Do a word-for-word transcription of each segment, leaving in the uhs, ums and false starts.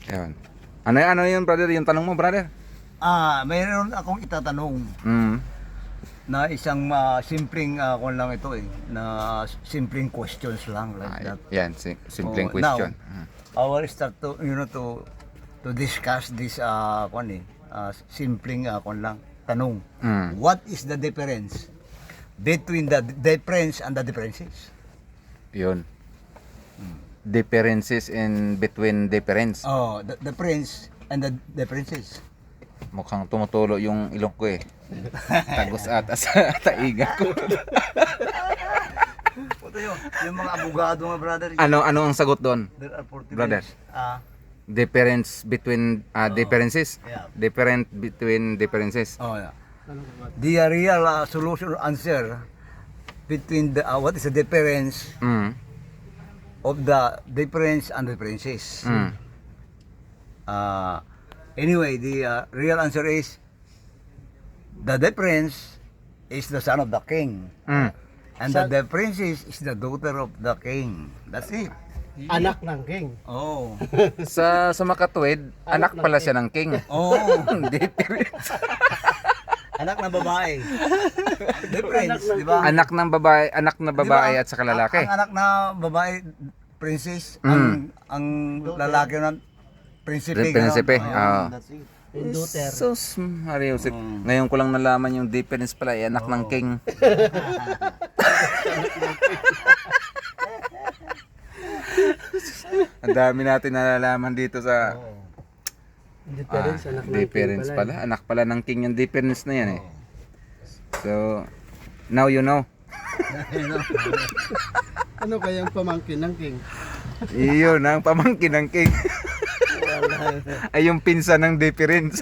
Ayun. Ano, ano yun, brother? Yung tanong mo, brother? Ah, mayroon akong itatanong Mm. na isang ah, simpleng ah, kung lang ito eh, na simpleng questions lang like Ah, that. yan, sim- simpleng Oh, question. now, Mm. I will start to, you know, to to discuss this uh, kung eh, ah, simpleng uh, kung lang, tanong. Mm. What is the difference between the difference and the differences? Yun. Differences in between difference. Oh, the difference and the differences. Mukhang tumutulo yung ilong ko eh. Tagos ata sa taiga ko. Ito yun, yung mga abogado nga brother. Ano ano ang sagot doon? There are forty Brother. minutes. Ah, Difference between uh, Oo. differences. Yeah. Different between differences. oh yeah. The uh, real uh, solution or answer between the uh, what is the difference Mm. of the difference and differences. Mm. Uh, anyway, the uh, real answer is the difference is the son of the king, Mm. and the differences is the daughter of the king. That's it. Anak ng king. Oh, Sa sa makatuwid, anak pala siya ng king. oh, Difference. anak na babae. Difference, di ba? Anak ng babae, anak na babae Di ba, at saka lalaki. Ang, ang anak na babae, princess, Mm. ang ang lalaki na prinsipe. Prinsipe, ganon. oo. Ayun, that's it. Yung daughter. Sus, Mario, Joseph. Mm. Ngayon ko lang nalaman yung difference pala, eh, anak ng Oo. king. Ang dami natin nalalaman dito sa Oo. Difference, ah, anak ng king difference pala. pala. Anak pala ng king yung difference na yan eh. Oo. So, now you know. Ayun, no? Ano kaya ang pamangkin ng king? Iyon ang pamangkin ng king. Ay yung pinsan ng difference.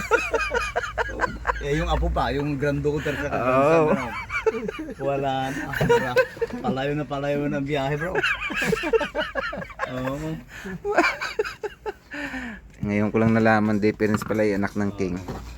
Eh, yung apo pa, yung granddaughter sa Oo. grandson, ano? Wala na. Ah, bro. Palayo na palayo ng biyahe, bro. Oo. Ngayon ko lang nalaman difference pala yung anak ng king.